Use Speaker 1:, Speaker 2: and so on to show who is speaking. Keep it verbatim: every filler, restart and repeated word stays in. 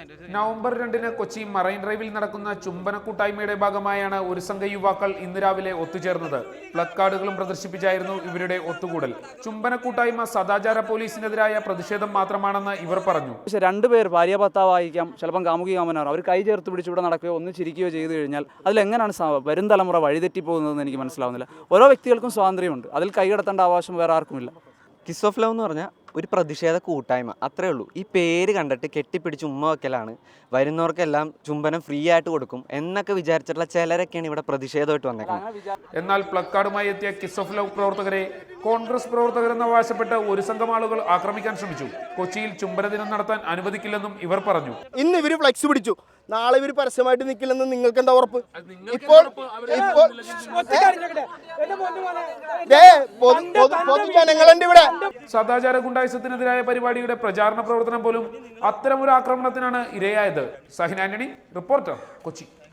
Speaker 1: November രണ്ടിന് Kochi marine ഡ്രൈവിൽ നടക്കുന്ന ചുംബന കൂട്ടായ്മയുടെ ഭാഗമായാണ് ഒരു സംഘ യുവാക്കൾ ഇന്ന് രാവിലെ ഒത്തുചേർന്നത്. പ്ലക്കാർഡുകളും പ്രദർശിപ്പിച്ചായിരുന്നു ഇവരുടെ ഒത്തുകൂടൽ. ചുംബന കൂട്ടായ്മ സദാചാര പോലീസിനെതിരായ പ്രതിഷേധം മാത്രമാണെന്ന് ഇവർ പറഞ്ഞു.
Speaker 2: പക്ഷെ രണ്ടുപേർ ഭാര്യ ഭർത്താവായിരിക്കാം, ചിലപ്പം കാമുകി കാമനാർ, അവർ കൈ ചേർത്ത് പിടിച്ച് ഇവിടെ നടക്കുകയോ ഒന്നിച്ചിരിക്കുകയോ ചെയ്തു കഴിഞ്ഞാൽ അതിലെങ്ങനെയാണ് വരും തലമുറ വഴിതെറ്റിപ്പോകുന്നതെന്ന് എനിക്ക് മനസ്സിലാവുന്നില്ല. ഓരോ വ്യക്തികൾക്കും സ്വാതന്ത്ര്യമുണ്ട്, അതിൽ കൈകടത്തേണ്ട അവകാശം വേറെ ആർക്കുമില്ല.
Speaker 3: കിസ് ഓഫ് ലവ് എന്ന് പറഞ്ഞാൽ ഒരു പ്രതിഷേധ കൂട്ടായ്മ, അത്രേ ഉള്ളൂ. ഈ പേര് കണ്ടിട്ട് കെട്ടിപ്പിടിച്ച് ഉമ്മ വെക്കലാണ്, വരുന്നവർക്കെല്ലാം ചുംബനം ഫ്രീ ആയിട്ട് കൊടുക്കും എന്നൊക്കെ വിചാരിച്ചിട്ടുള്ള ചിലരൊക്കെയാണ് ഇവിടെ പ്രതിഷേധമായിട്ട് വന്നേക്കുന്നത്.
Speaker 1: എന്നാൽ പ്ലക്കാർഡുമായി എത്തിയ കിസ് ഓഫ് ലവ് പ്രവർത്തകരെ കോൺഗ്രസ് പ്രവർത്തകരെന്ന് അവകാശപ്പെട്ട് ഒരു സംഘം ആളുകൾ ആക്രമിക്കാൻ ശ്രമിച്ചു. കൊച്ചിയിൽ ചുംബന ദിനം നടത്താൻ അനുവദിക്കില്ലെന്നും ഇവർ പറഞ്ഞു.
Speaker 4: ഇന്ന് ഇവര് ഫ്ലെക്സ് പിടിച്ചു, നാളെ ഇവർ പരസ്യമായിട്ട് നിൽക്കില്ലെന്ന് നിങ്ങൾക്ക് എന്താ ഉറപ്പ്? ഇപ്പോൾ പൊതുജനങ്ങളുണ്ട് ഇവിടെ.
Speaker 1: സദാചാര ഗുണ്ടായിസത്തിനെതിരായ പരിപാടിയുടെ പ്രചാരണ പ്രവർത്തനം പോലും അത്തരമൊരു ആക്രമണത്തിനാണ് ഇരയായത്. സഹിൻ ആന്റണി, റിപ്പോർട്ടർ, കൊച്ചി.